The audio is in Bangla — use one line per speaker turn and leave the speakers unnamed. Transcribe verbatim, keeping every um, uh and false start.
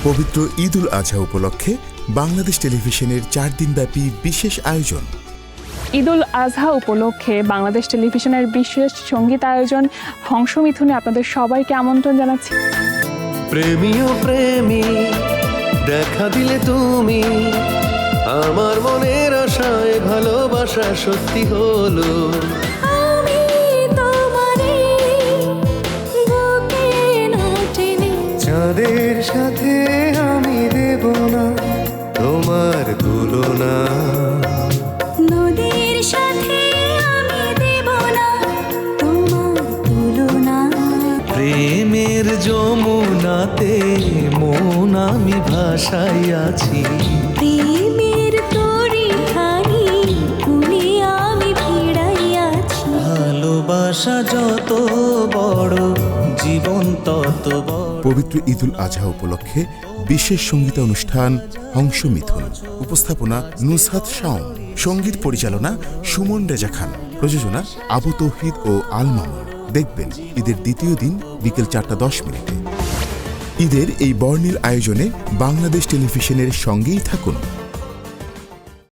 পবিত্র ঈদ উল আজহা উপলক্ষে বাংলাদেশ টেলিভিশনের চার দিনব্যাপী বিশেষ আয়োজন।
ঈদ উল আজহা উপলক্ষে বাংলাদেশ টেলিভিশনের বিশেষ সঙ্গীত আয়োজন হংসমিথুনে আপনাদের সবাইকে আমন্ত্রণ জানাচ্ছি।
প্রেমী ও প্রেমী দেখা দিলে তুমি, আমার মনের আশায় ভালোবাসা সত্যি হলো।
আমি তোমারে বুকে না টেনে,
চাঁদের সাথে আমি দেব না তোমার তুলনা,
নদীর সাথে আমি দেব না তোমার তুলনা।
প্রেমের যমুনাতে মন আমি ভাসাইয়াছি,
প্রেমের তরি খানি তুমি আমি ভিড়াইয়াছি।
ভালোবাসা যত বড় জীবন তত বড়।
পবিত্র ঈদ উল আজহা উপলক্ষে বিশেষ সঙ্গীত অনুষ্ঠান হংসমিথুন। উপস্থাপনা নুসহাত শাওন, সঙ্গীত পরিচালনা সুমন রেজা খান, প্রযোজনা আবু তৌহিদ ও আল মামুন। দেখবেন ঈদের দ্বিতীয় দিন বিকেল চারটা দশ মিনিটে। ঈদের এই বর্ণিল আয়োজনে বাংলাদেশ টেলিভিশনের সঙ্গেই থাকুন।